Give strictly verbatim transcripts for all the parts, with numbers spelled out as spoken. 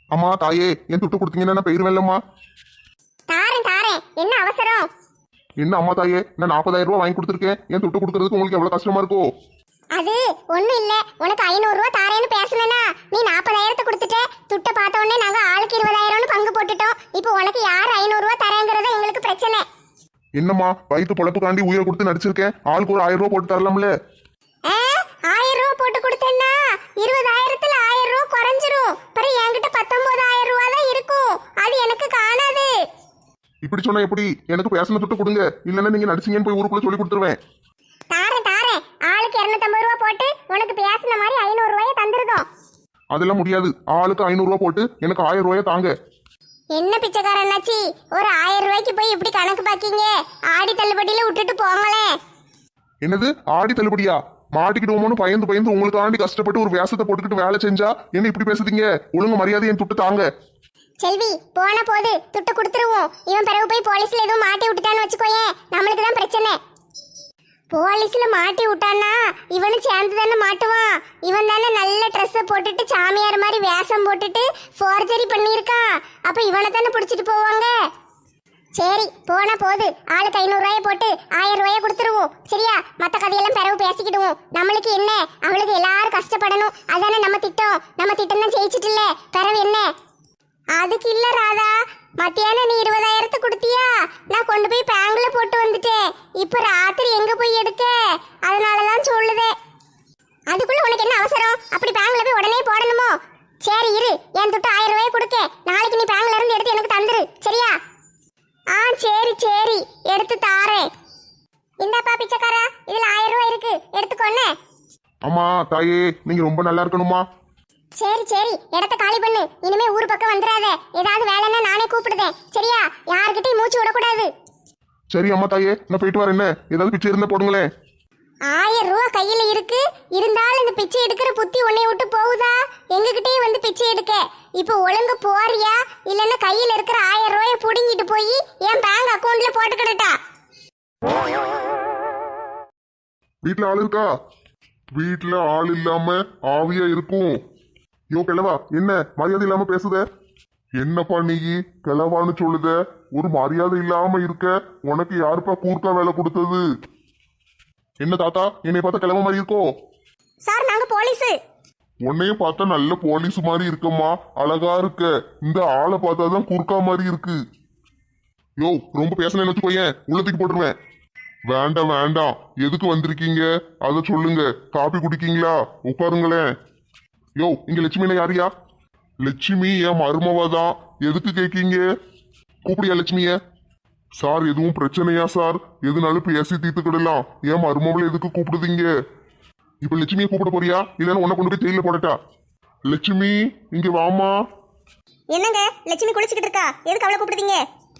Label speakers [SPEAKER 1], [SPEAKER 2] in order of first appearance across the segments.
[SPEAKER 1] அம்மா தாயே, என் துட்டு கொடுத்தீங்கன்னா நான் போயிருவேன்லம்மா.
[SPEAKER 2] தாரேன் தாரேன், என்ன அவசரம்?
[SPEAKER 1] என்ன அம்மா தாயே, நான் நாற்பதாயிரம் ரூபாய் வாங்கி கொடுத்துருக்கேன். என் துட்டு கொடுக்கறதுக்கு உங்களுக்கு எவ்வளவு கஷ்டமா இருக்கோ?
[SPEAKER 2] அது ஒண்ணும் இல்ல, உனக்கு ஐநூறு ரூபா தாரேன்னு பேசலனா நீ நாற்பதாயிரத்தை கொடுத்துட்ட. துட்ட பார்த்த உடனே நாங்க ஆளுக்கு இருபதாயிரம்னு பங்கு போட்டுட்டோம். இப்போ உனக்கு யார் ஐநூறு ரூபா தரேங்கிறத எங்களுக்கு பிரச்சனை.
[SPEAKER 1] என்னம்மா, வயிற்று பொழப்புக்காண்டி உயிரை கொடுத்து நடிச்சிருக்கேன். ஆளுக்கு ஒரு ஆயிரம் ரூபாய் போட்டு தரலாம்ல?
[SPEAKER 2] ஆயிரம் ரூபா போட்டு கொடுத்தேன்னா இருபதாயிரத்துல ஆயிரம் ரூபா குறைஞ்சிரும். பிறகு என்கிட்ட பத்தொன்பதாயிரம் ரூபா தான் இருக்கும். அது எனக்கு காணாது.
[SPEAKER 1] இப்படி சொன்னா எப்படி? எனக்கு பேசின துட்டு கொடுங்க, இல்லன்னா நீங்க நடிச்சீங்கன்னு போய் ஊருக்குள்ள சொல்லி கொடுத்துருவேன்.
[SPEAKER 2] தாரேன் தாரேன், ஆளுக்கு இருநூத்தம்பது ரூபா போட்டு உனக்கு பேசின மாதிரி ஐநூறு ரூபாயை தந்துருதோம்.
[SPEAKER 1] அதெல்லாம் முடியாது. ஆளுக்கு ஐநூறு ரூபாய் போட்டு எனக்கு ஆயிரம் ரூபாயை தாங்க.
[SPEAKER 2] என்ன பிச்சைக்காரனாச்சி, ஒரு ஆயிரம் ரூபாய்க்கு போய் இப்படி கணக்கு பாக்கீங்க? ஆடி தள்ளுபடியில விட்டுட்டு போங்களே.
[SPEAKER 1] என்னது ஆடி தள்ளுபடியா? மாட்டிக்கிடுவோமோன்னு பயந்து பயந்து உங்களுக்காண்டி கஷ்டப்பட்டு ஒரு வேஷத்தை போட்டுக்கிட்டு வேலை செஞ்சா என்ன இப்படி பேசுதீங்க? ஒழுங்கு மரியாதை என் துட்டு தாங்க.
[SPEAKER 2] செல்வி, போன போது துட்டு கொடுத்துருவோம். இவன் பிறகு போய் போலீஸ்ல எதுவும் மாட்டி விட்டுட்டான்னு வச்சுக்கோயேன், நம்மளுக்கு தான் பிரச்சனை. போலீஸ்ல மாட்டி விட்டான்னா இவனு சேர்ந்து தானே மாட்டுவான். இவன் தானே நல்ல ட்ரெஸ்ஸை போட்டுட்டு சாமியார் மாதிரி வேஷம் போட்டுட்டு ஃபோர்ஜரி பண்ணியிருக்கான். அப்ப இவனை தானே பிடிச்சிட்டு போவாங்க. சரி, போன போது ஆளுக்கு ஐநூறு ரூபாயை போட்டு ஆயிரம் ரூபாயை கொடுத்துருவோம். சரியா? மற்ற கதையெல்லாம் பிறகு பேசிக்கிடுவோம். நம்மளுக்கு என்ன, அவளுக்கு எல்லாரும் கஷ்டப்படணும், அதானே நம்ம திட்டம். நம்ம திட்டம் தான் ஜெயிச்சிட்டு இல்ல, பிறகு என்ன? அதுக்கு இல்ல ராதா, மத்தியானம் நீ இருபதாயிரத்து கொடுத்தியா? நான் கொண்டு போய் பேங்க்ல போட்டு வந்துட்டேன். இப்ப ராத்திரி எங்க போய் எடுக்க? அதனாலதான் சொல்லுதே. அதுக்குள்ள உனக்கு என்ன அவசரம்? அப்படி பேங்க்ல போய் உடனே போடணுமோ? சரி இரு, என் துட்டு ஆயிரம் ரூபாய் கொடுக்க. நாளைக்கு நீ பேங்க்ல இருந்து எடுத்து எனக்கு தந்துரு. சரியா? ஆ சரி சரி, எடுத்து தாரேன். இந்தாப்பா பிச்சைக்காரா, இதுல ஆயிரம் ரூபாய் இருக்கு, எடுத்துக்கோன்னு.
[SPEAKER 1] அம்மா தாயே, நீங்க ரொம்ப நல்லா இருக்கணுமா?
[SPEAKER 2] சரி சரி, இடத்த காலி பண்ணு. இனிமே ஊர் பக்கம் வந்துடாத. ஏதாவது வேலைன்னா நானே கூப்பிடுதேன். சரியா? யாருக்கிட்டையும் மூச்சு விடக்கூடாது.
[SPEAKER 1] சரி அம்மா தாயே, நான் போயிட்டு வரேன். என்ன ஏதாவது பிச்சை இருந்தா போடுங்களேன்.
[SPEAKER 2] ஆயிரம் ரூபா கையில இருக்கு, இருந்தாலும் இந்த பிச்சை எடுக்கிற புத்தி உன்னை விட்டு போகுதா? எங்ககிட்டயே வந்து பிச்சை எடுக்க. இப்ப ஒழுங்கு போறியா, இல்லன்னா கையில இருக்கிற ஆயிரம் ரூபாயை புடுங்கிட்டு போய் என் பேங்க் அக்கவுண்ட்ல போட்டுக்கிட்டா?
[SPEAKER 1] வீட்டுல ஆள் இருக்கா? வீட்டுல ஆள் இல்லாம ஆவியா இருக்கும். யோ கிழவா, என்ன மரியாதை இல்லாம பேசுத? என்னப்பா நீ கிழவான்னு சொல்லுத? ஒரு மரியாதை இல்லாம இருக்க. உனக்கு யாருப்பா கூர்க்கா வேலை கொடுத்தது? என்ன தாத்தா, என்னை பார்த்தா கிழவ மாதிரி இருக்கோ?
[SPEAKER 2] சார், நாங்க போலீஸ்.
[SPEAKER 1] உன்னையும் பார்த்தா நல்ல போலீஸ் மாதிரி இருக்கம்மா, அழகா இருக்க. இந்த ஆளை பார்த்தாதான் குறுக்கா மாதிரி இருக்கு. யோ ரொம்ப பேசணும்னு வச்சுக்கோயேன், உள்ளத்துக்கு போட்டுருவேன். வேண்டாம் வேண்டாம், எதுக்கு வந்திருக்கீங்க அதை சொல்லுங்க. காபி குடிக்கீங்களா? உட்காருங்களேன். யோ, இங்க லட்சுமியில யாரியா? லட்சுமி என் மருமவாதான். எதுக்கு கேக்கீங்க? கூப்பிடியா லட்சுமிய? சார் எதுவும் பிரச்சனையா சார்? எதுனாலும் பேசி தீர்த்துக்கிடலாம். என் மருமவளை எதுக்கு கூப்பிடுதீங்க? இப்ப லட்சுமியை கூப்பிட போறியா, இல்லைன்னா உன்னை கொண்டு போய் ஜெயில போடட்டா? லட்சுமி இங்க வாமா.
[SPEAKER 2] என்னங்க, லட்சுமி குளிச்சுக்கிட்டு இருக்கா, எதுக்கு அவளை கூப்பிடுதீங்க?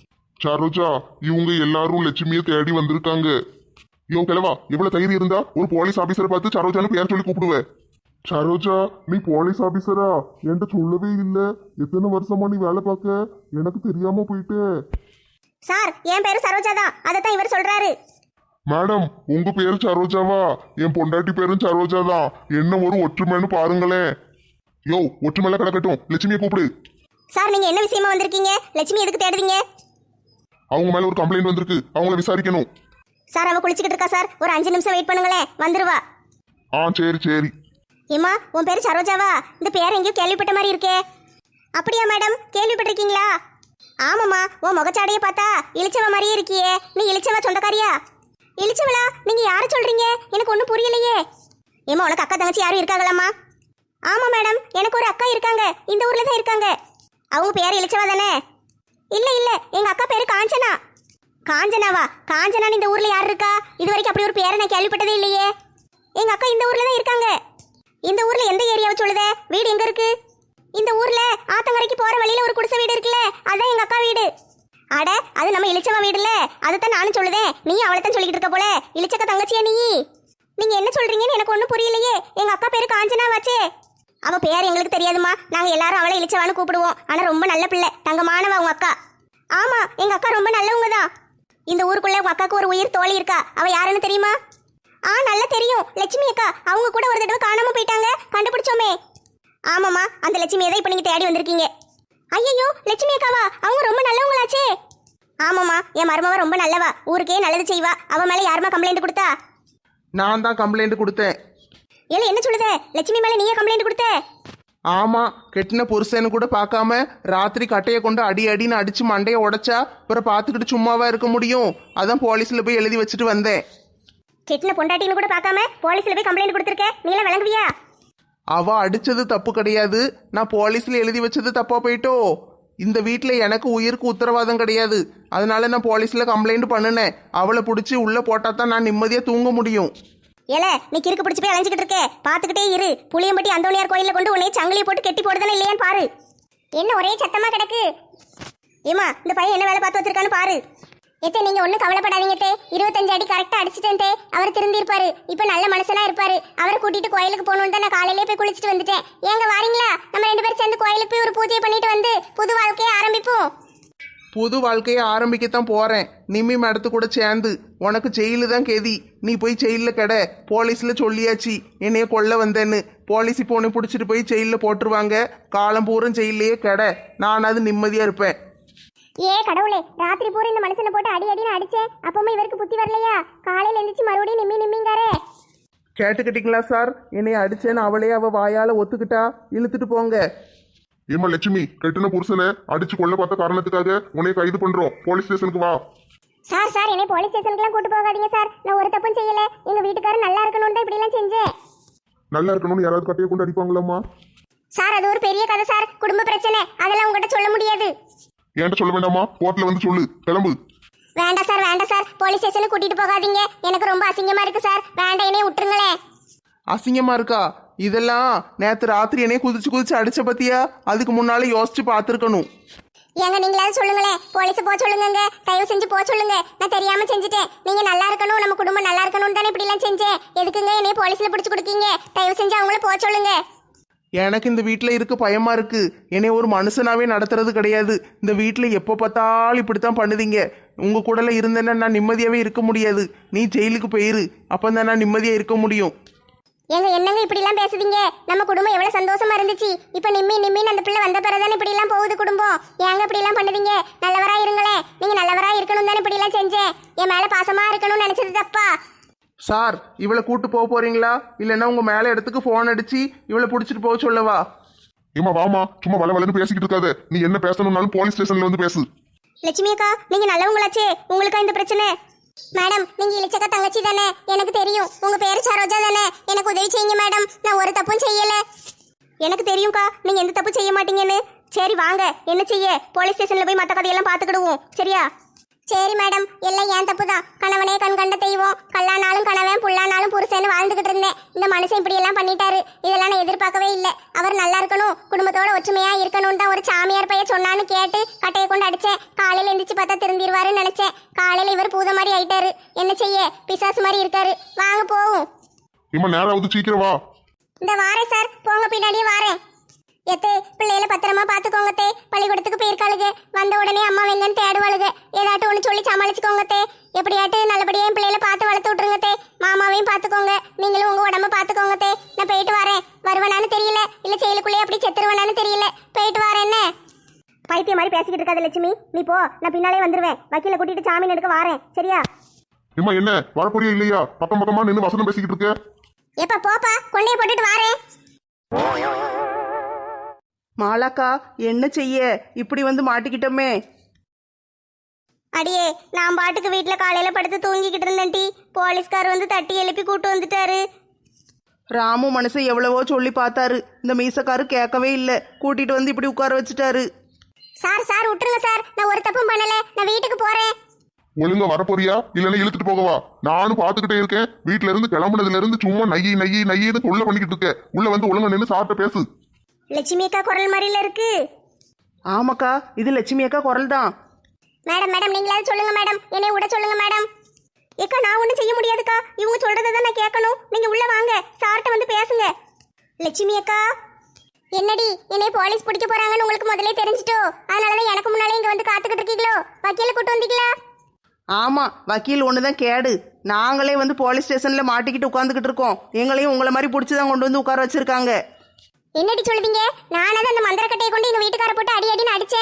[SPEAKER 1] சரோஜா, இவங்க எல்லாரும் லட்சுமியை தேடி வந்திருக்காங்க. யோ கிழவா, எவ்வளவு தைரியம் இருந்தா ஒரு போலீஸ் ஆபீசரை பார்த்து சரோஜான்னு பேர் சொல்லி கூப்பிடுவேன்? சரோஜா, நீ போலீஸ் ஆபீசரா? என்கிட்ட சொல்லவே இல்ல. எத்தனை வருஷமா நீ வேலை பார்க்க? எனக்கு தெரியாம போயிட்டு.
[SPEAKER 2] சார், என் பேரு சரோஜா தான், அதைத்தான் இவர் சொல்றாரு.
[SPEAKER 1] மேடம், உங்க பேரு சரோஜாவா? என் பொண்டாட்டி பேரும் சரோஜா தான். என்ன ஒரு ஒற்றுமைன்னு பாருங்களேன். யோ, ஒற்றுமையில கிடக்கட்டும், லட்சுமியை கூப்பிடு.
[SPEAKER 2] சார், நீங்க என்ன விஷயமா வந்திருக்கீங்க? லட்சுமி எதுக்கு தேடுவீங்க?
[SPEAKER 1] அவங்க மேல ஒரு கம்ப்ளைண்ட் வந்திருக்கு, அவங்கள விசாரிக்கணும்.
[SPEAKER 2] சார், அவ குளிச்சுக்கிட்டு இருக்கா சார், ஒரு அஞ்சு நிமிஷம் வெயிட் பண்ணுங்களேன், வந்துருவா.
[SPEAKER 1] ஆ சரி சரி.
[SPEAKER 2] ஏமா, உன் பேரு சரோஜாவா? இந்த பேர் எங்கேயோ கேள்விப்பட்ட மாதிரி இருக்கே. அப்படியா மேடம், கேள்விப்பட்டிருக்கீங்களா? ஆமாம்மா, உன் முகச்சாடையை பார்த்தா இளிச்சவ மாதிரியே இருக்கியே. நீ இளிச்சவ சொந்தக்காரியா? இளிச்சவளா? நீங்க யாரை சொல்றீங்க? எனக்கு ஒன்றும் புரியலையே. ஏமா, உனக்கு அக்கா தங்கச்சி யாரும் இருக்காங்களாம்மா? ஆமா மேடம், எனக்கு ஒரு அக்கா இருக்காங்க, இந்த ஊர்ல தான் இருக்காங்க. அவங்க பேர் இளிச்சவா தானே? இல்ல இல்ல, எங்க அக்கா பேரு காஞ்சனா. காஞ்சனாவா? காஞ்சனான்னு இந்த ஊர்ல யார் இருக்கா? இது வரைக்கும் அப்படி ஒரு பேரை நான் கேள்விப்பட்டதே இல்லையே. எங்க அக்கா இந்த ஊர்ல தான் இருக்காங்க. இந்த ஊர்ல எந்த ஏரியாவை சொல்லுத? வீடு எங்க இருக்கு? இந்த ஊர்ல ஆத்தங்கரைக்கு போற வழியில ஒரு குடிசை வீடு இருக்குல்ல, அதான் எங்க அக்கா வீடு. அட, அது நம்ம இளிச்சவா வீடுல. அதைத்தான் நானும் சொல்லுதேன், நீ அவளைத்தான் சொல்லிக்கிட்டு இருக்க போல. இளிச்சக்க தங்கச்சியா நீ? நீங்க என்ன சொல்றீங்கன்னு எனக்கு ஒன்றும் புரியலையே. எங்க அக்கா பேரு காஞ்சனா வாச்சே. அவ பேர் எங்களுக்கு தெரியாதுமா, நாங்க எல்லாரும் அவளை இளிச்சவான்னு கூப்பிடுவோம். ஆனா ரொம்ப நல்ல பிள்ளை, தங்கமானவ உங்க அக்கா. ஆமா, எங்க அக்கா ரொம்ப நல்லவங்க தான். இந்த ஊருக்குள்ள உங்க அக்காவுக்கு ஒரு உயிர் தோழி இருக்கா, அவ யாருன்னு தெரியுமா? ஆ நல்லா தெரியும், லட்சுமி அக்கா. அவங்க கூட ஒரு தடவை காணாம போயிட்டாங்க, கண்டுபிடிச்சோமே. ஆமாம்மா, அந்த லட்சுமியை தான் இப்போ நீங்கள் தேடி வந்திருக்கீங்க. ஐயோ லட்சுமி அக்காவா? அவங்க ரொம்ப நல்லவங்களாச்சே. ஆமாம்மா, என் மருமவ ரொம்ப நல்லவா, ஊருக்கே நல்லது செய்வா. அவ மேல யாருமா கம்ப்ளைண்ட் கொடுத்தா?
[SPEAKER 3] நான் தான் கம்ப்ளைண்ட் கொடுத்தேன்.
[SPEAKER 2] ஏல என்ன சொல்லுத? லட்சுமி மேல நீயே கம்ப்ளைண்ட் கொடுத்த?
[SPEAKER 3] ஆமா, கெட்டின புருஷன்னு கூட பார்க்காம ராத்திரி கட்டையை கொண்டு அடி அடின்னு அடிச்சு மண்டையை உடைச்சா அப்புறம் பார்த்துக்கிட்டு சும்மாவா இருக்க முடியும்? அதான் போலீஸ்ல போய் எழுதி வச்சுட்டு வந்தேன்.
[SPEAKER 2] கெட்டின பொண்டாட்டின்னு கூட பார்க்காம போலீஸ்ல போய் கம்ப்ளைண்ட் கொடுத்துருக்க, நீல விளங்குவியா?
[SPEAKER 3] அவ அடிச்சது தப்பு கிடையாது, நான் போலீஸ்ல எழுதி வச்சது தப்பா போயிட்டோ. இந்த வீட்டில் எனக்கு உயிருக்கு உத்தரவாதம் கிடையாது, அதனால நான் போலீஸ்ல கம்ப்ளைண்ட் பண்ணினேன். அவளை பிடிச்சி உள்ள போட்டா தான் நான் நிம்மதியா தூங்க முடியும்.
[SPEAKER 2] ஏல நீ கிறுக்கு பிடிச்சி போய் அலைஞ்சிக்கிட்டு இருக்க, பாத்துக்கிட்டே இரு. புளியம்பட்டி அந்தோணியார் கோயில கொண்டு உன்னை சங்கிலியை போட்டு கெட்டி போடுதானே இல்லையான்னு பாரு. என்ன ஒரே சத்தமா கிடக்கு? ஏமா இந்த பையன் என்ன வேலை பார்த்து வச்சிருக்கான்னு பாரு. எத்தே நீங்க ஒன்றும் கவலைப்படாதீங்க தே, இருபத்தஞ்சு அடி கரெக்டாக அடிச்சிட்டேன் தே. அவர் திருந்திருப்பாரு, இப்போ நல்ல மனுஷனா இருப்பாரு. அவரை கூட்டிட்டு கோயிலுக்கு போகணுன்னு தான் நான் காலையிலே போய் குளிச்சுட்டு வந்துட்டேன். ஏங்க வாரீங்களா? நம்ம ரெண்டு பேரும் சேர்ந்து கோயிலுக்கு போய் ஒரு பூஜையை பண்ணிட்டு வந்து புது வாழ்க்கையை ஆரம்பிப்போம்.
[SPEAKER 3] புது வாழ்க்கையை ஆரம்பிக்கத்தான் போறேன். நிம்மி மேடத்து கூட சேர்ந்து. உனக்கு ஜெயிலு தான் கெதி, நீ போய் ஜெயிலில் கெட. போலீஸ்ல சொல்லியாச்சு என்னைய கொல்ல வந்தேன்னு. போலீஸ் இப்போ உன்னை பிடிச்சிட்டு போய் ஜெயிலில் போட்டுருவாங்க. காலம் பூரம் ஜெயிலையே கெட, நான் அது நிம்மதியா இருப்பேன்.
[SPEAKER 2] ஏ கடவுளே, ராத்திரி பூரா இந்த மனுஷனை போட்டு அடி அடின்னு அடிச்சேன், அப்பவுமே இவருக்கு புத்தி வரலையா? காலையில எந்திரிச்சு மறுபடியும் நிம்மி நிம்மிங்காரே.
[SPEAKER 3] கேட்டுக்கிட்டீங்களா சார்? என்னைய அடிச்சேன்னு அவளே அவ வாயால ஒத்துக்கிட்டா. இழுத்துட்டு போங்க.
[SPEAKER 1] ஏமா லட்சுமி, கெட்டின புருஷனை அடிச்சு கொள்ள பார்த்த காரணத்துக்காக உன்னை கைது பண்றோம். போலீஸ் ஸ்டேஷனுக்கு வா.
[SPEAKER 2] சார் சார் என்னை போலீஸ் ஸ்டேஷனுக்குலாம் கூட்டு போகாதீங்க சார். நான் ஒரு தப்பும் செய்யல. எங்க வீட்டுக்காரர் நல்லா இருக்கணும்னு தான் இப்படி எல்லாம் செஞ்சேன்.
[SPEAKER 1] நல்லா இருக்கணும்னு யாராவது கட்டையை கொண்டு அடிப்பாங்களாம்மா?
[SPEAKER 2] சார் அது ஒரு பெரிய கதை சார், குடும்ப பிரச்சனை, அதெல்லாம் உங்ககிட்ட சொல்ல முடியாது.
[SPEAKER 1] என்கிட்ட சொல்ல வேண்டாமா? கோர்ட்ல வந்து சொல்லு, கிளம்பு.
[SPEAKER 2] வேண்டாம் சார் வேண்டாம் சார், போலீஸ் ஸ்டேஷனுக்கு கூட்டிட்டு போகாதீங்க. எனக்கு ரொம்ப அசிங்கமா இருக்கு சார், வேண்டாம் என்னைய விட்டுருங்களேன்.
[SPEAKER 3] அசிங்கமா இருக்கா? இதெல்லாம் நேத்து ராத்திரி என்னைய குதிச்சு குதிச்சு அடிச்ச பத்தியா? அதுக்கு முன்னால யோசிச்சு பார்த்துருக்கணும்.
[SPEAKER 2] ஏங்க நீங்களாவது சொல்லுங்களேன், போலீஸ் போக சொல்லுங்க, தயவு செஞ்சு போக சொல்லுங்க. நான் தெரியாம செஞ்சுட்டேன். நீங்க நல்லா இருக்கணும், நம்ம குடும்பம் நல்லா இருக்கணும்னு தானே இப்படி எல்லாம் செஞ்சேன். எதுக்குங்க என்னைய போலீஸ்ல பிடிச்சு கொடுக்கீங்க? தயவு செஞ்சு அவங்கள போக சொல்லுங்க.
[SPEAKER 3] எனக்கு இந்த வீட்டில் இருக்க பயமா இருக்கு. என்னை ஒரு மனுஷனாவே நடத்துறது கிடையாது. இந்த வீட்டில் எப்போ பார்த்தாலும் இப்படித்தான் பண்ணுதீங்க. உங்க கூடல இருந்தேன்னா நான் நிம்மதியாவே இருக்க முடியாது. நீ ஜெயிலுக்கு போயிரு, அப்போ தான் நான் நிம்மதியா இருக்க முடியும்.
[SPEAKER 2] ஏங்க என்னங்க இப்படி எல்லாம் பேசுதீங்க? நம்ம குடும்பம் எவ்வளவு சந்தோஷமா இருந்துச்சு. இப்ப நிம்மி நிம்மின்னு அந்த பிள்ளை வந்த பிறகுதானே இப்படி எல்லாம் போகுது குடும்பம். ஏங்க இப்படி எல்லாம் பண்ணுதீங்க? நல்லவரா இருங்களேன். நீங்க நல்லவரா இருக்கணும் தானே இப்படி எல்லாம் செஞ்சேன். என் மேல பாசமா இருக்கணும்னு நினைச்சது தப்பா?
[SPEAKER 3] சார், இவளை கூட்டு போக போறீங்களா இல்லைன்னா உங்க மேல இடத்துக்கு போன் அடிச்சு இவளை பிடிச்சிட்டு போக சொல்லவா?
[SPEAKER 1] ஏமா வாமா, சும்மா வள வளன்னு பேசிக்கிட்டு இருக்காத. நீ என்ன பேசணும்னாலும் போலீஸ் ஸ்டேஷன்ல வந்து பேசு.
[SPEAKER 2] லட்சுமி அக்கா நீங்க நல்லவங்களாச்சே, உங்களுக்கா இந்த பிரச்சனை? மேடம் நீங்க இளிச்சக்கா தங்கச்சி தானே, எனக்கு தெரியும். உங்க பேரு சரோஜா தானே, எனக்கு உதவி செய்யுங்க மேடம். நான் ஒரு தப்பும் செய்யல. எனக்கு தெரியும்க்கா, நீங்க எந்த தப்பு செய்ய மாட்டீங்கன்னு. சரி வாங்க, என்ன செய்ய, போலீஸ் ஸ்டேஷன்ல போய் மற்ற கதையெல்லாம் பார்த்துக்கிடுவோம், சரியா? சரி மேடம், எல்லாம் ஏன் தப்பு தான். கணவனே கண் கண்ட தெய்வம், கல்லானாலும் கணவன் புல்லானாலும் புருஷன்னு வாழ்ந்துகிட்டு இருந்தேன். இந்த மனுஷன் இப்படி எல்லாம் பண்ணிட்டாரு, இதெல்லாம் நான் எதிர்பார்க்கவே இல்லை. அவர் நல்லா இருக்கணும், குடும்பத்தோட ஒற்றுமையா இருக்கணும்னு தான் ஒரு சாமியார் பையன் சொன்னான்னு கேட்டு கட்டையை கொண்டு அடிச்சேன். காலையில எந்திரிச்சு பார்த்தா திருந்திருவாருன்னு நினைச்சேன். காலையில இவர் பூத மாதிரி ஆயிட்டாரு. என்ன செய்ய, பிசாசு மாதிரி இருக்காரு. வாங்க போவோம்.
[SPEAKER 1] இம்மா நேராவது சீக்கிரம் வா.
[SPEAKER 2] இந்த வாரேன் சார், போங்க பின்னாடியே வாரேன். எத்தே பிள்ளைகளை பத்திரமா பாத்துக்கோங்க தே. பள்ளிக்கூடத்துக்கு போயிருக்காளுங்க, வந்த உடனே அம்மா வெங்கன்னு தேடுவாளுங்க. ஏதாட்டும் ஒன்று சொல்லி சமாளிச்சுக்கோங்க தே. எப்படியாட்டு நல்லபடியா என் பிள்ளைகளை பார்த்து வளர்த்து விட்டுருங்க தே. மாமாவையும் பாத்துக்கோங்க, நீங்களும் உங்க உடம்ப பாத்துக்கோங்க தே. நான் போயிட்டு வரேன். வருவனான்னு தெரியல, இல்ல செயலுக்குள்ளே அப்படி செத்துருவனான்னு தெரியல. போயிட்டு வரேன். என்ன பைத்திய மாதிரி பேசிக்கிட்டு இருக்காது லட்சுமி, நீ போ, நான் பின்னாலே வந்துருவேன். வக்கீல கூட்டிட்டு ஜாமீன் எடுக்க வாரேன், சரியா?
[SPEAKER 1] ஏமா என்ன வரப்போறியா இல்லையா? பக்கம் பக்கமா நின்று வசனம் பேசிக்கிட்டு இருக்க.
[SPEAKER 2] எப்ப போப்பா, கொண்டையை போட்டுட்டு வாரேன்.
[SPEAKER 3] மாலாக்கா, என்ன செய்ய இப்படி வந்து மாட்டிக்கிட்டோமே?
[SPEAKER 2] அடியே நான் பாட்டுக்கு வீட்டுல காலையில படுத்து தூங்கிக்கிட்டு இருந்தேன் டி. போலீஸ்கார் வந்து தட்டி எழுப்பி கூட்டு வந்துட்டாரு.
[SPEAKER 3] ராமு மனுஷன் எவ்வளவோ சொல்லி பார்த்தாரு, இந்த மீசக்காரு கேட்கவே இல்லை. கூட்டிட்டு வந்து இப்படி உட்கார வச்சுட்டாரு.
[SPEAKER 2] சார் சார் விட்டுருங்க சார், நான் ஒரு தப்பும் பண்ணல. நான் வீட்டுக்கு போறேன்.
[SPEAKER 1] ஒழுங்கா வரப்போறியா இல்லைன்னா இழுத்துட்டு போகவா? நானும் பாத்துக்கிட்டே இருக்கேன். வீட்டுல இருந்து கிளம்புனதுல இருந்து சும்மா நையி நையி நையின்னு தொல்லை பண்ணிக்கிட்டு இருக்க. உள்ள வந்து ஒழுங்கா நின்று சாப்பிட்ட பேசு.
[SPEAKER 2] லட்சுமி அக்கா குரல் மாதிரில இருக்கு.
[SPEAKER 3] ஆமாக்கா, இது லட்சுமி அக்கா குரல் தான்.
[SPEAKER 2] மேடம் மேடம் நீங்களாவது சொல்லுங்க மேடம், என்னை விட சொல்லுங்க மேடம். ஏக்கா நான் ஒன்றும் செய்ய முடியாதுக்கா, இவங்க சொல்றதை தான் நான் கேட்கணும். நீங்க உள்ள வாங்க, சார்ட்ட வந்து பேசுங்க. லட்சுமி அக்கா என்னடி, என்னை போலீஸ் பிடிக்க போறாங்கன்னு உங்களுக்கு முதலே தெரிஞ்சிட்டோ? அதனாலதான் எனக்கு முன்னாலே இங்க வந்து காத்துக்கிட்டு இருக்கீங்களோ? வக்கீல கூட்டு வந்தீங்களா?
[SPEAKER 3] ஆமா, வக்கீல் ஒண்ணுதான் கேடு. நாங்களே வந்து போலீஸ் ஸ்டேஷன்ல மாட்டிக்கிட்டு உட்காந்துக்கிட்டு இருக்கோம். எங்களையும் உங்களை மாதிரி பிடிச்சிதான் கொண்டு வந்து உட்கார வச்சிருக்காங்க.
[SPEAKER 2] என்னடி சொல்லுதீங்க? நானாவது அந்த மந்திரக்கட்டையை கொண்டு எங்க வீட்டுக்கார போட்டு அடி அடின்னு அடிச்சேன்.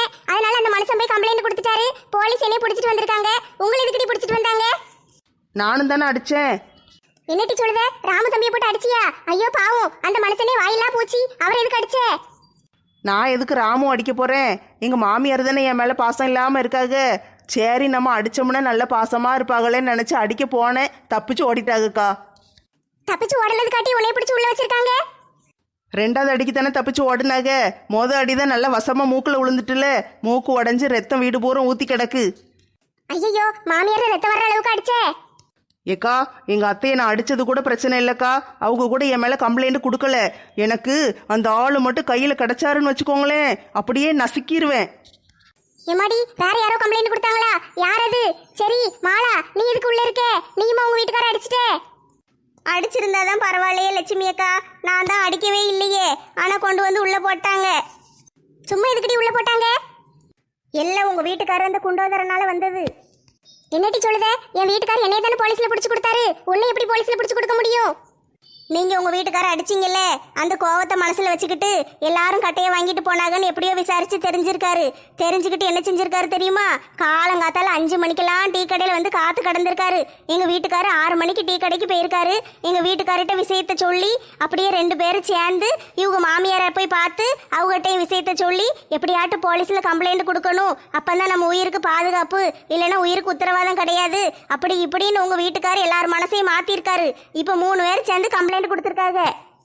[SPEAKER 3] நானும் தானே அடிச்சேன்.
[SPEAKER 2] என்னட்டி சொல்லுத? ராமு தம்பியை போட்டு அடிச்சியா? ஐயோ பாவம், அந்த மனுஷனே வாயிலா போச்சு. அவர் எதுக்கு அடிச்சே?
[SPEAKER 3] நான் எதுக்கு ராமும் அடிக்க போறேன்? எங்க மாமியார் தானே என் மேல பாசம் இல்லாம இருக்காங்க. சரி, நம்ம அடிச்சோம்னா நல்ல பாசமா இருப்பாங்களேன்னு நினைச்சு அடிக்க போனேன். தப்பிச்சு ஓடிட்டாங்கக்கா.
[SPEAKER 2] தப்பிச்சு ஓடனது காட்டி உன்னை பிடிச்சு உள்ள வச்சிருக்காங்க.
[SPEAKER 3] ரெண்டாவது அடிக்கு தானே தப்பிச்சு ஓடுனாங்க. மொதல் அடிதான் நல்லா வசமா மூக்குல விழுந்துட்டுல, மூக்கு உடஞ்சி ரத்தம் வீடு பூரா ஊத்தி கிடக்கு.
[SPEAKER 2] ஐயோ, மாமியார் ரத்தம் வர்ற அளவுக்கு அடிச்சே?
[SPEAKER 3] ஏக்கா, எங்க அத்தையை நான் அடிச்சது கூட பிரச்சனை இல்லக்கா. அவங்க கூட என் மேல கம்ப்ளைண்ட் கொடுக்கல. எனக்கு அந்த ஆளு மட்டும் கையில கிடைச்சாருன்னு வச்சுக்கோங்களேன், அப்படியே நசுக்கிடுவேன்.
[SPEAKER 2] எம்மாடி, வேற யாரோ கம்ப்ளைண்ட் கொடுத்தாங்களா? யார் அது? சரி மாலா, நீ இதுக்கு உள்ள இருக்க? நீயுமா உங்க வீட்டுக்கார அடிச்சிட்டே? அடிச்சிருந்தாதான் பரவாயில்லையே லட்சுமி அக்கா, நான் தான் அடிக்கவே இல்லையே. ஆனா கொண்டு வந்து உள்ள போட்டாங்க. சும்மா எதுக்கடி உள்ள போட்டாங்க? எல்லாம் உங்க வீட்டுக்காரர் அந்த குண்டோதரனால வந்தது. என்னட்டி சொல்லுத? என் வீட்டுக்காரர் என்னைய தானே போலீஸ்ல பிடிச்சு கொடுத்தாரு. உன்னை எப்படி போலீஸ்ல பிடிச்சு கொடுக்க முடியும்? நீங்க உங்க வீட்டுக்கார அடிச்சிங்கல்ல, அந்த கோவத்தை மனசுல வச்சுக்கிட்டு எல்லாரும் கட்டையை வாங்கிட்டு போனாங்கன்னு எப்படியோ விசாரிச்சு தெரிஞ்சிருக்காரு. தெரிஞ்சுக்கிட்டு என்ன செஞ்சிருக்காரு தெரியுமா? காலங்காத்தால அஞ்சு மணிக்கெல்லாம் டீ கடையில வந்து காத்து கடந்திருக்காரு. எங்க வீட்டுக்காரு ஆறு மணிக்கு டீ கடைக்கு போயிருக்காரு. எங்க வீட்டுக்காரிட்ட விஷயத்த சொல்லி அப்படியே ரெண்டு பேரும் சேர்ந்து இவங்க மாமியாரை போய் பார்த்து அவங்ககிட்டையும் விஷயத்த சொல்லி எப்படியாட்டு போலீஸ்ல கம்ப்ளைண்ட் கொடுக்கணும், அப்பதான் நம்ம உயிருக்கு பாதுகாப்பு, இல்லைன்னா உயிருக்கு உத்தரவாதம் கிடையாது, அப்படி இப்படின்னு உங்க வீட்டுக்காரு எல்லாரும் மனசையும் மாத்திருக்காரு. இப்ப மூணு பேர் சேர்ந்து கம்ப்ளைண்ட் கொடுத்திருக்காங்க.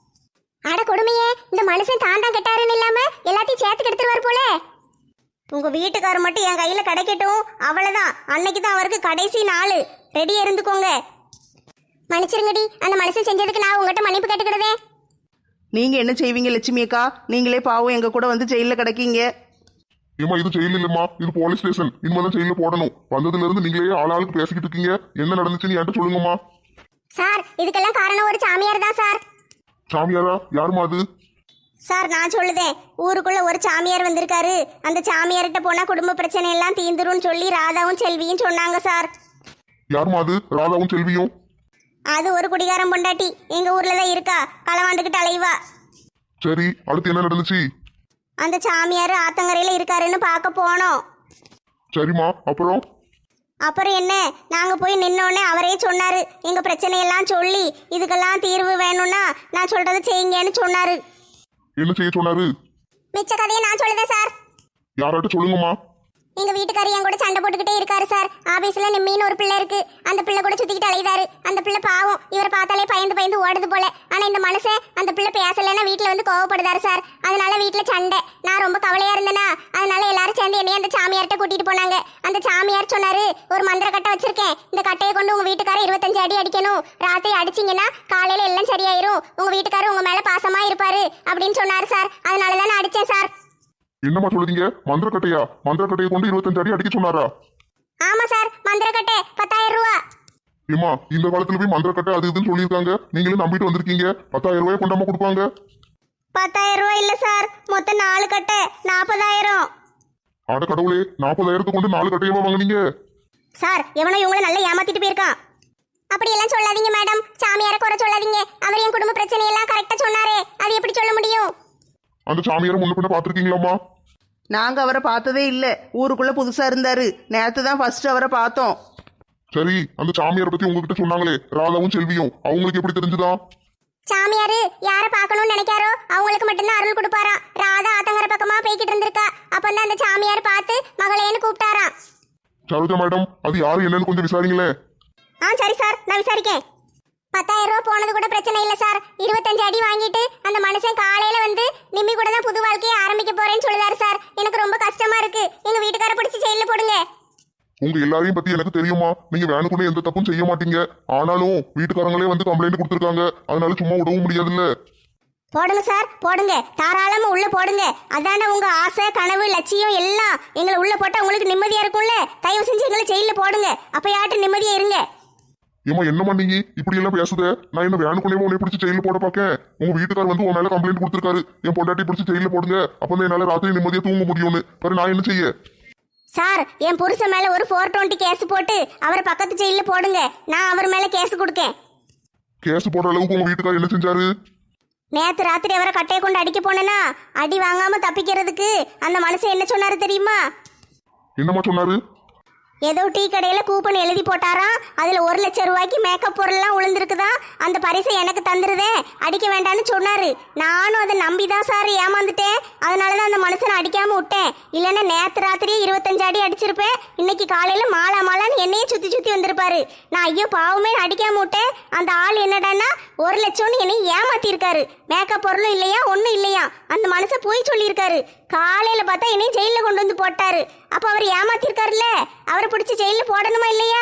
[SPEAKER 2] அட கொடுமையே, இந்த மனுஷன் தான் தான் கெட்டாருன்னு இல்லாம எல்லாத்தையும் சேர்த்து கெடுத்துருவார் போல. உங்க வீட்டுக்காரர் மட்டும் என் கையில கிடைக்கட்டும், அவ்வளவுதான். அன்னைக்கு தான் அவருக்கு கடைசி நாள். ரெடியா இருந்துக்கோங்க. மன்னிச்சிருங்கடி, அந்த மனுஷன் செஞ்சதுக்கு நான் உங்ககிட்ட மன்னிப்பு கேட்டுக்கிடுதே.
[SPEAKER 3] நீங்க என்ன செய்வீங்க லட்சுமி அக்கா? நீங்களே பாவம் எங்க கூட வந்து ஜெயில கிடக்கீங்க.
[SPEAKER 1] ஏமா இது ஜெயில் இல்லம்மா, இது போலீஸ் ஸ்டேஷன். இனிமேதான் ஜெயில போடணும். வந்ததுல இருந்து நீங்களே ஆளாளுக்கு பேசிக்கிட்டு இருக்கீங்க. என்ன நடந்துச்சுன்னு என்கிட்ட சொல்லுங்கம்மா.
[SPEAKER 2] சார், இதுக்கெல்லாம் காரணம் ஒரு சாமியார் தான் சார்.
[SPEAKER 1] சாமியாரா? யாருமா அது?
[SPEAKER 2] சார், நான் சொல்லுதேன். ஊருக்குள்ள ஒரு சாமியார் வந்திருக்காரு. அந்த சாமியார்கிட்ட போனா குடும்ப பிரச்சனை எல்லாம் தீந்துரும்னு சொல்லி ராதாவும் செல்வியும் சொன்னாங்க சார்.
[SPEAKER 1] யாருமா அது? ராதாவும் செல்வியும்?
[SPEAKER 2] அது ஒரு குடிகாரம் பொண்டாட்டி, எங்க ஊர்ல தான் இருக்கா. களவாண்டுகிட்டு அலைவா.
[SPEAKER 1] சரி, அடுத்து என்ன நடந்துச்சு?
[SPEAKER 2] அந்த சாமியார் ஆத்தங்கரையில இருக்காருன்னு பார்க்க போனோம்.
[SPEAKER 1] சரிம்மா, அப்புறம்?
[SPEAKER 2] அப்புறம் என்ன, நாங்க போய் நின்னோடனே அவரே சொன்னாரு, எங்க பிரச்சனையெல்லாம் சொல்லி இதுக்கெல்லாம் தீர்வு வேணும்னா நான் சொல்றதை செய்யுங்கன்னு சொன்னாரு.
[SPEAKER 1] என்ன செய்ய சொன்னாரு?
[SPEAKER 2] மிச்ச கதையை நான் சொல்லுதேன் சார்.
[SPEAKER 1] யாராட்ட சொல்லுங்கம்மா.
[SPEAKER 2] எங்க வீட்டுக்காரர் என் கூட சண்டை போட்டுக்கிட்டே இருக்காரு சார். ஆபீஸ்ல நிம்மின்னு ஒரு பிள்ளை இருக்கு. அந்த பிள்ளை கூட சுத்திக்கிட்டு அலைதாரு. அந்த பிள்ளை பாவம், இவரை பார்த்தாலே பயந்து பயந்து ஓடுது போல. ஆனா இந்த மனுஷன் அந்த பிள்ளை பேசலன்னா வீட்டுல வந்து கோவப்படுதாரு சார். அதனால வீட்டுல சண்டை. நான் ரொம்ப கவலையா இருந்தேனா, அதனால எல்லாரும் சேர்ந்து என்னைய அந்த சாமியார்ட்ட கூட்டிட்டு போனாங்க. அந்த சாமியார் சொன்னாரு, ஒரு மந்திர கட்டை வச்சிருக்கேன், இந்த கட்டையை கொண்டு உங்க வீட்டுக்காரர் இருபத்தஞ்சு அடி அடிக்கணும். ராத்திரி அடிச்சிங்கன்னா காலையில எல்லாம் சரியாயிரும். உங்க வீட்டுக்காரர் உங்க மேல பாசமா இருப்பாரு அப்படின்னு சொன்னாரு சார். அதனாலதான் நான் அடிச்சேன் சார்.
[SPEAKER 1] என்னம்மா சொல்லுதீங்க? மந்திரக்கட்டையா? மந்திரக்கட்டையை கொண்டு இருபத்தஞ்சு அடி அடிக்க சொன்னாரா?
[SPEAKER 2] ஆமா சார், மந்திரக்கட்டை பத்தாயிரம் ரூபா.
[SPEAKER 1] ஏமா, இந்த காலத்துல போய் மந்திரக்கட்டை அது இதுன்னு சொல்லியிருக்காங்க, நீங்களும் நம்பிட்டு வந்திருக்கீங்க. பத்தாயிரம் ரூபாய் கொண்டாம கொடுப்பாங்க?
[SPEAKER 2] பத்தாயிரம் ரூபாய் இல்ல சார், மொத்தம் நாலு கட்டை நாற்பதாயிரம்.
[SPEAKER 1] அட கடவுளே, நாற்பதாயிரத்து கொண்டு நாலு கட்டையமா வாங்குனீங்க?
[SPEAKER 2] சார், எவனோ இவங்களை நல்லா ஏமாத்திட்டு போயிருக்கான். அப்படி எல்லாம் சொல்லாதீங்க மேடம். சாமியார குறை சொல்லாதீங்க. அவர் என் குடும்ப பிரச்சனை எல்லாம் கரெக்டா சொன்னாரே, அது எப்படி சொல்ல முடியும்?
[SPEAKER 1] அந்த சாமியாரை முன்ன பின்ன பாத்திருக்கீங்களாமா?
[SPEAKER 3] நாங்க அவரை பார்த்ததே இல்ல. ஊருக்குள்ள புதுசா இருந்தாரு. நேத்து தான் ஃபர்ஸ்ட் அவரை பார்த்தோம்.
[SPEAKER 1] சரி, அந்த சாமியாரை பத்தி உங்ககிட்ட சொன்னாங்களே, ராதாவும் செல்வியும், அவங்களுக்கு எப்படி தெரிஞ்சுதா?
[SPEAKER 2] சாமியாரு யார பார்க்கணும்னு நினைக்காரோ அவங்களுக்கு மட்டும்தான் அருள் கொடுப்பாராம். ராதா ஆத்தங்கர பக்கமா போய்கிட்டு இருந்திருக்கா. அப்பதான் அந்த சாமியார் பார்த்து மகளேன்னு கூப்பிட்டாராம்.
[SPEAKER 1] சரோஜா மேடம், அது யாரு என்னன்னு கொஞ்சம் விசாரிங்களேன்.
[SPEAKER 2] ஆ சரி சார், நான் விசாரிக்கேன். பத்தாயிரம் ரூபா போனது கூட பிரச்சனை இல்லை சார். இருபத்தஞ்சு அடி வாங்கிட்டு அந்த மனுஷன் காலையில வந்து நிம்மி கூட தான் புது வாழ்க்கையை ஆரம்பிக்க போறேன்னு சொல்லுதாரு சார். எனக்கு ரொம்ப கஷ்டமா இருக்கு. எங்க வீட்டுக்கார பிடிச்சி ஜெயில போடுங்க.
[SPEAKER 1] உங்க எல்லாரையும் பத்தி எனக்கு தெரியுமா? நீங்க வேணுக்குள்ள எந்த தப்பும் செய்ய மாட்டீங்க. ஆனாலும் வீட்டுக்காரங்களே வந்து கம்ப்ளைண்ட் கொடுத்துருக்காங்க. அதனால சும்மா விடவும் முடியாதுல்ல.
[SPEAKER 2] போடுங்க சார், போடுங்க. தாராளமா உள்ள போடுங்க. அதான உங்க ஆசை, கனவு, லட்சியம் எல்லாம். எங்களை உள்ள போட்டா உங்களுக்கு நிம்மதியா இருக்கும்ல. தயவு செஞ்சு எங்களை ஜெயில போடுங்க. அப்பயாட்டு நிம்மதியா இருங்க.
[SPEAKER 1] ஏமா என்னமா நீங்க இப்படி எல்லாம் பேசுத? நான் என்ன வேணுக்குள்ளே உன்னை பிடிச்சி ஜெயில போட பாக்கேன்? உங்க வீட்டுக்கார் வந்து உன் மேல கம்ப்ளைண்ட் கொடுத்துருக்காரு, என் பொண்டாட்டி பிடிச்சி ஜெயில போடுங்க, அப்பதான் என்னால ராத்திரி நிம்மதியா தூங்க முடியும்னு. வேற நான் என்ன செய்ய?
[SPEAKER 2] சார், என் புருஷன் மேல ஒரு போர் டுவெண்ட்டி கேஸ் போட்டு அவரை பக்கத்து ஜெயில போடுங்க. நான் அவர் மேல கேஸ் கொடுக்கேன்.
[SPEAKER 1] கேஸ் போடுற அளவுக்கு உங்க வீட்டுக்கார் என்ன செஞ்சாரு?
[SPEAKER 2] நேத்து ராத்திரி அவரை கட்டையை கொண்டு அடிக்க போனேன்னா அடி வாங்காம தப்பிக்கிறதுக்கு அந்த மனுஷன் என்ன சொன்னாரு தெரியுமா?
[SPEAKER 1] என்னமா சொன்னாரு?
[SPEAKER 2] ஏதோ டீ கடையில கூப்பன் எழுதி போட்டாராம், அதுல ஒரு லட்சம் ரூபாய்க்கு மேக்கப் பொருள்லாம் விழுந்திருக்குதான். அந்த பரிசை எனக்கு தந்துருதே, அடிக்க வேண்டாம்னு சொன்னாரு. நானும் அதை நம்பிதான் சார் ஏமாந்துட்டேன். அதனாலதான் அந்த மனுஷனை அடிக்காம விட்டேன். இல்லைன்னா நேத்து ராத்திரியே இருபத்தஞ்சு அடி அடிச்சிருப்பேன். இன்னைக்கு காலையில மாலா மாலான்னு என்னையே சுத்தி சுத்தி வந்திருப்பாரு. நான் ஐயோ பாவமே அடிக்காம விட்டேன். அந்த ஆள் என்னடான்னா ஒரு லட்சம்னு என்னை ஏமாத்தி இருக்காரு. மேக்கப் பொருளும் இல்லையா, ஒன்றும் இல்லையா. அந்த மனுஷன் போய் சொல்லியிருக்காரு. காலையில பார்த்தா என்னையும் ஜெயில கொண்டு வந்து போட்டாரு. அப்ப அவர் ஏமாத்திருக்காருல்ல, அவரை பிடிச்சி ஜெயில போடணுமா இல்லையா?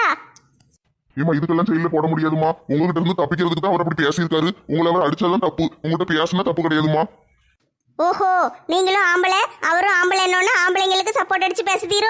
[SPEAKER 1] ஏமா இதுக்கெல்லாம் ஜெயில போட முடியாதுமா. உங்ககிட்ட இருந்து தப்பிக்கிறதுக்கு தான் அவர் அப்படி பேசியிருக்காரு. உங்களை அவர் அடிச்சாதான் தப்பு, உங்ககிட்ட பேசினா தப்பு கிடையாதுமா.
[SPEAKER 2] ஓஹோ, நீங்களும் ஆம்பளை அவரும் ஆம்பளை, என்னன்னா ஆம்பளைங்களுக்கு சப்போர்ட் அடிச்சு பேசுதீரோ?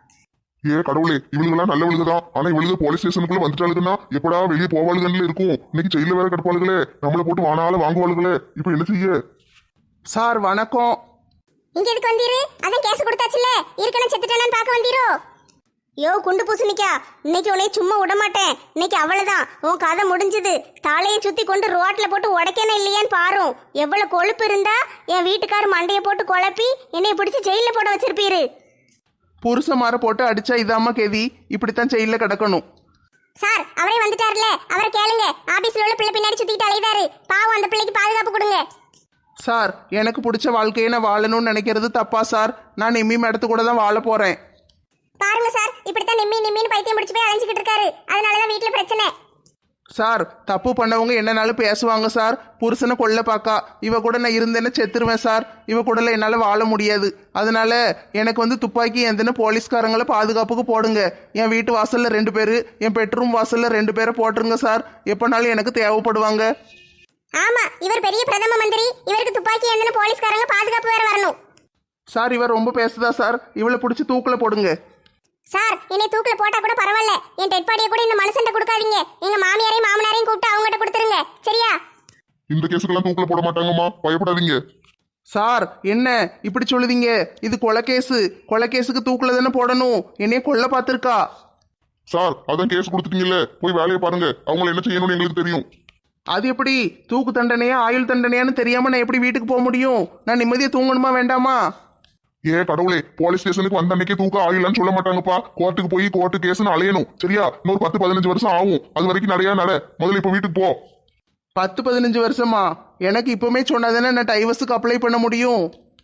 [SPEAKER 1] ஏ கடவுளே, இவளுங்கெல்லாம் நல்லவளுங்க தான். ஆனா இவளுங்க போலீஸ் ஸ்டேஷனுக்குள்ள வந்துட்டாளுங்கன்னா எப்படா வெளியே போவாளுகன்னு இருக்கும். இன்னைக்கு ஜெயில வேற கிடப்பாளுகளே, நம்மளை போட்டு வானால வாங்குவாளுகளே. இப்ப என்ன செய்ய?
[SPEAKER 3] சார் வணக்கம்.
[SPEAKER 2] இங்க எதுக்கு வந்தீரு? அதான் கேஸ் கொடுத்தாச்சுல, இருக்கணும் செத்துட்டானு பார்க்க வந்தீரோ? யோ குண்டு பூசணிக்கா, இன்னைக்கு உன்னை சும்மா விட மாட்டேன். இன்னைக்கு அவ்வளவுதான், உன் கதை முடிஞ்சது. தலையை சுத்தி கொண்டு ரோட்ல போட்டு உடைக்கணும் இல்லையான்னு பாரு. எவ்வளவு கொழுப்பு இருந்தா என் வீட்டுக்காரர் மண்டையை போட்டு குழப்பி என்னைய பிடிச்சி ஜெயில போட வச்சிருப்பீரு.
[SPEAKER 3] புருஷ மாற போட்டு அடிச்சா இதாம்மா கெதி, இப்படித்தான் ஜெயில கிடக்கணும்.
[SPEAKER 2] சார் அவரே வந்துட்டார்ல, அவரை கேளுங்க. ஆபீஸ்ல உள்ள பிள்ளை பின்னாடி சுத்திட்டு அலைதாரு. பாவம், அந்த பிள்ளைக்கு பாதுகாப்பு கொடுங்க.
[SPEAKER 3] சார் எனக்கு பிடிச்ச வாழ்க்கையை நான் வாழணும்னு நினைக்கிறது தப்பா சார்? நான் நிம்மி மேடத்து கூட தான் வாழ போறேன்.
[SPEAKER 2] பாருங்க சார், இப்படித்தான் நிம்மி நிம்மின்னு பைத்தியம் பிடிச்சு போய் அலைஞ்சிக்கிட்டு இருக்காரு. அதனாலதான் வீட்டுல பிரச்சனை.
[SPEAKER 3] சார் தப்பு பண்ணவங்க என்னனாலும் பேசுவாங்க சார். புருஷனை கொல்ல பாக்கா, இவ கூட நான் இருந்தேன்னு செத்துருவேன் சார். இவ கூடல என்னால் வாழ முடியாது. அதனால எனக்கு வந்து துப்பாக்கி எந்தன போலீஸ்காரங்களை பாதுகாப்புக்கு போடுங்க. என் வீட்டு வாசல்ல ரெண்டு பேர், என் பெட்ரூம் வாசல்ல ரெண்டு பேரை போட்டுருங்க சார். எப்போனாலும் எனக்கு தேவைப்படுவாங்க.
[SPEAKER 2] ஆமா, இவர் பெரிய பிரதம மந்திரி. இவருக்கு துப்பாக்கி எந்தன போலீஸ்காரங்க பாதுகாப்பு வேற வரணும்.
[SPEAKER 3] சார் இவர் ரொம்ப பேசுதா சார்? இவளை பிடிச்சி தூக்குல போடுங்க.
[SPEAKER 2] சார் என்னை தூக்கில போட்டா கூட பரவாயில்ல, என் டெட் பாடியை கூட இந்த மனுஷன்ட்ட கொடுக்காதீங்க. எங்க மாமியாரையும் மாமனாரையும் கூப்பிட்டு அவங்ககிட்ட கொடுத்துருங்க, சரியா?
[SPEAKER 1] இந்த கேஸுக்கெல்லாம் தூக்கில போட மாட்டாங்கம்மா, பயப்படாதீங்க.
[SPEAKER 3] சார் என்ன இப்படி சொல்லுதீங்க? இது கொலை கேஸு. கொலை கேஸுக்கு தூக்குல தானே போடணும். என்னைய கொல்ல பார்த்துருக்கா.
[SPEAKER 1] சார் அதான் கேஸ் கொடுத்துட்டீங்கல்ல, போய் வேலையை பாருங்க. அவங்களை என்ன செய்யணும்னு எங்களுக்கு தெரியும்.
[SPEAKER 3] அது எப்படி? தூக்கு தண்டனையா ஆயுள் தண்டனையான்னு தெரியாம நான் எப்படி வீட்டுக்கு போக முடியும்? நான் நிம்மதியா தூங்கணுமா வேண்டாமா?
[SPEAKER 1] ஏ கடவுளே, போலீஸ் ஸ்டேஷனுக்கு வந்த அன்னைக்கே தூக்க ஆயிலான்னு சொல்ல மாட்டாங்கப்பா. கோர்ட்டுக்கு போய் கோர்ட்டு கேஸ்னு அலையணும், சரியா? இன்னொரு பத்து பதினஞ்சு வருஷம் ஆகும். அது வரைக்கும் நிறைய நட. முதல்ல இப்ப வீட்டுக்கு போ.
[SPEAKER 3] பத்து பதினஞ்சு வருஷமா? எனக்கு இப்பவுமே சொன்னாதானே நான் டைவர்ஸுக்கு அப்ளை பண்ண முடியும்.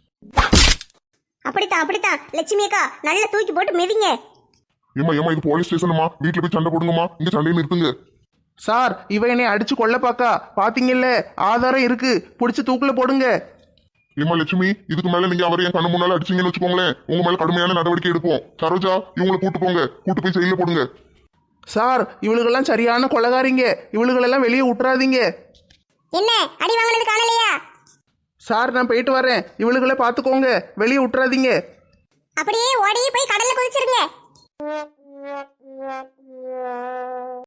[SPEAKER 2] அப்படித்தான் அப்படித்தான் லட்சுமி அக்கா, நல்லா தூக்கி போட்டு மிதிங்க.
[SPEAKER 1] ஏமா ஏமா இது போலீஸ் ஸ்டேஷனுமா, வீட்டுல போய் சண்டை போடுங்கம்மா. இங்க சண்டையை நிறுத்துங்க.
[SPEAKER 3] சார் இவ என்னை அடிச்சு கொல்ல பாக்கா, பாத்தீங்கல்ல? ஆதாரம் இருக்கு, பிடிச்சி தூக்குல போடுங்க.
[SPEAKER 1] ஏமா லட்சுமி, இதுக்கு மேல நீங்க அவரை என் கண்ணு முன்னால அடிச்சீங்கன்னு வச்சுக்கோங்களேன், உங்க மேல கடுமையான நடவடிக்கை எடுப்போம். சரோஜா, இவங்களை கூட்டு போங்க, கூட்டு போய் ஜெயில போடுங்க.
[SPEAKER 3] சார் இவளுகெல்லாம் சரியான கொலகாரிங்க. இவளுகளெல்லாம் வெளியே விட்டுறாதீங்க.
[SPEAKER 2] என்ன அடி வாங்கினது காணலையா?
[SPEAKER 3] சார் நான் போயிட்டு வரேன், இவளுகளை பார்த்துக்கோங்க, வெளியே விட்டுறாதீங்க.
[SPEAKER 2] அப்படியே ஓடி போய் கடல்ல குதிச்சிருங்க.